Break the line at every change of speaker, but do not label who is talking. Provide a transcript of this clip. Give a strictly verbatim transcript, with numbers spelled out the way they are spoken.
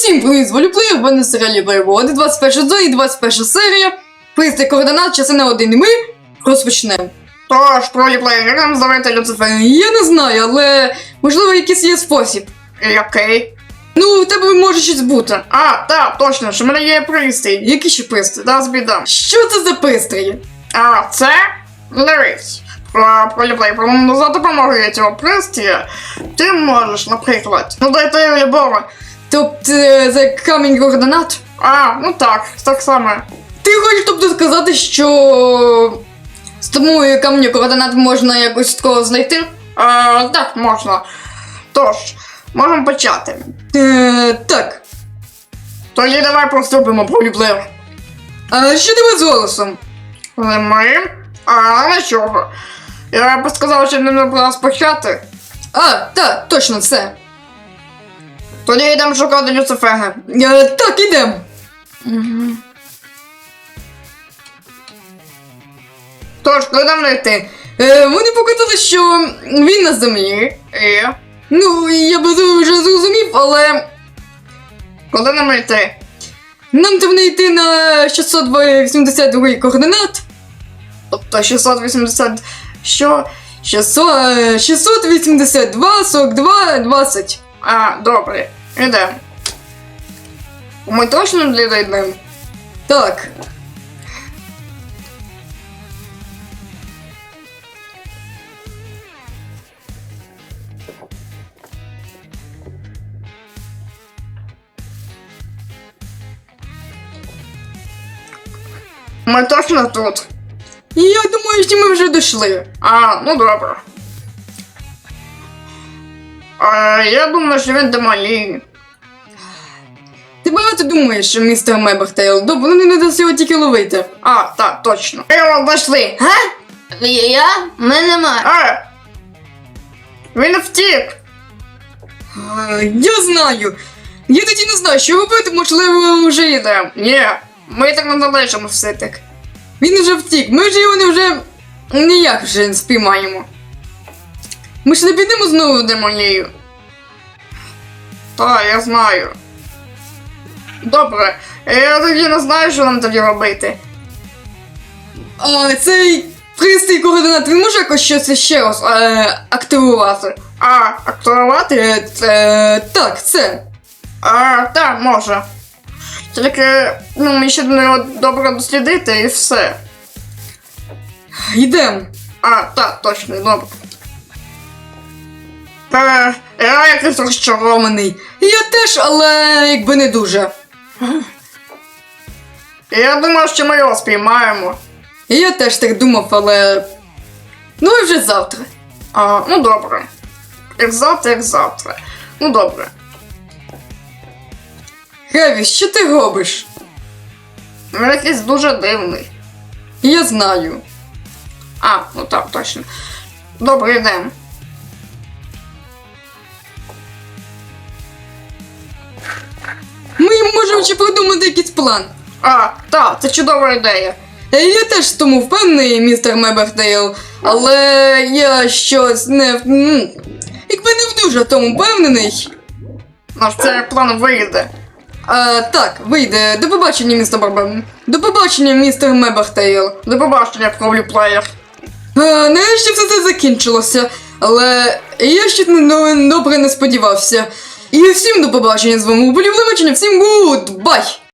Всім привіт, волюблею, в мене серіалі Воєводи, двадцять перша зона і двадцять перша серія. Пристрій координат, частина один, і ми розпочнемо.
Тож, проліплеєр, як нам зловити Люцифера?
Я не знаю, але можливо якийсь є спосіб.
Який?
Ну, у тебе може щось бути.
А, так, точно, що в мене є пристрій.
Який ще пристрій?
Да, збідам.
Що це за пристрій?
А, це? Дивись. Про проліплеєр, про за допомогою цього пристрія ти можеш, наприклад, ну дайте любого.
Тобто, е, за камінь координат?
А, ну так, так само.
Ти хочеш тобто сказати, що з тому каменю координат можна якось такого знайти?
А, так, можна. Тож, можемо почати.
Е, так.
Тоді давай поступимо, проліплеєр.
А що тебе з голосом?
Але ми? А, нічого. Я б сказав, що не треба почати.
А, так, точно, це.
Тоді йдемо шукати Люцифера.
Е, так, ідемо.
Угу. Тож, куди нам знайти?
Е, вони показали, що він на землі.
І?
Ну, я би це вже зрозумів, але
Куди нам йти?
нам треба йти на шістсот вісімдесят два координат.
Тобто шістсот вісімдесят... Що?
шістсот, е, шістсот вісімдесят два сорок два двадцять.
А, добре. Ідемо. Ми точно не дійдемо?
Так.
Ми точно тут?
Я думаю, що ми вже дійшли.
А, ну добре. А, я думаю, що він демалі.
Ти багато думаєш, містер Мебертейл? Добре, ну не дасть його тільки ловити.
А, так, точно. Ми його знайшли.
Га? Я? Мене нема.
А! Він втік.
А, я знаю. Я тоді не знаю, що робити, можливо, вже йде.
Ні, ми так не залишимо все так.
Він вже втік, ми ж його не вже ніяк вже не спіймаємо. Ми ж не підемо знову в демонію.
Так, я знаю. Добре, я тоді не знаю, що нам тоді робити.
А цей пристрій координат, він може якось щось ще раз е, активувати?
А, активувати?
Е, е, так, це.
А, так, може. Тільки, ну, ми ще до нього добре дослідити і все.
Йдемо.
А, так, точно, добре. Е, я якийсь розчарований.
Я теж, але якби не дуже.
Я думав, що ми його спіймаємо.
Я теж так думав, але. Ну і вже завтра.
А, ну добре. Як завтра, як завтра. Ну добре.
Геві, що ти робиш?
Він якийсь дуже дивний.
Я знаю.
А, ну так, точно. Добре, йдемо.
Ми можемо ще придумати якийсь план.
А, так, це чудова ідея.
Е, Я теж в тому впевнений, містер Мебертейл, але я щось не. м, Якби не дуже в тому впевнений.
Наш цей план вийде.
А, так, вийде. До побачення, містер Барбен. До побачення, містер Мебертейл.
До побачення, проліплеєр.
А, нарешті все це закінчилося, але я ще не добре не сподівався. І всім до побачення з вами у Полівлевичення, всім гуд, бай!